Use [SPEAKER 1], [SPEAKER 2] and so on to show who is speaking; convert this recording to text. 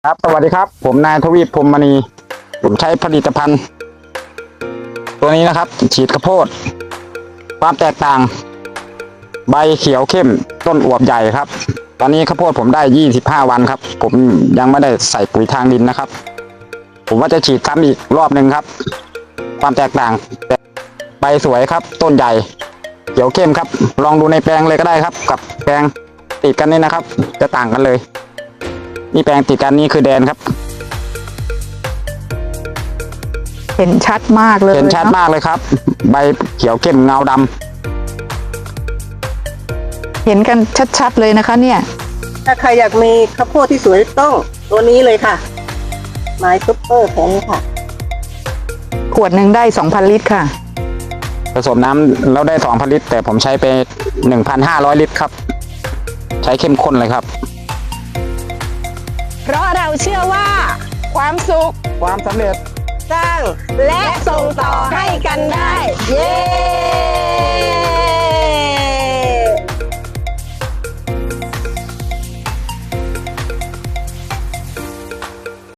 [SPEAKER 1] ครับสวัสดีครับผมนายทวีปพรหมมณีผมใช้ผลิตภัณฑ์ตัวนี้นะครับฉีดข้าวโพดความแตกต่างใบเขียวเข้มต้นอวบใหญ่ครับตอนนี้ข้าวโพดผมได้25วันครับผมยังไม่ได้ใส่ปุ๋ยทางดินนะครับผมว่าจะฉีดซ้ำอีกรอบหนึ่งครับความแตกต่างใบสวยครับต้นใหญ่เขียวเข้มครับลองดูในแปลงเลยก็ได้ครับกับแปลงติดกันนี่นะครับจะต่างกันเลยนี่แปลงติดกันนี่คือแดนครับ
[SPEAKER 2] เห็นชัดมากเลย
[SPEAKER 1] เห็นชัดมากเลยครับใบเขียวเข้มเงาด
[SPEAKER 2] ำเห็นกันชัดๆเลยนะคะเนี่ย
[SPEAKER 3] ถ้าใครอยากมีข้าวโพดที่สวยต้องตัวนี้เลยค่ะไม้ซุปเปอร์แข็งค่ะ
[SPEAKER 2] ขวดหนึ่งได้ 2,000 ลิตรค่ะ
[SPEAKER 1] ผสมน้ำแล้วได้2,000 ลิตรแต่ผมใช้ไป 1,500 ลิตรครับใช้เข้มข้นเลยครับ
[SPEAKER 4] เพราะเราเชื่อว่า ความสุข
[SPEAKER 1] ความสำเร็จ
[SPEAKER 4] สร้างและส่งต่อให้กันได้ เย้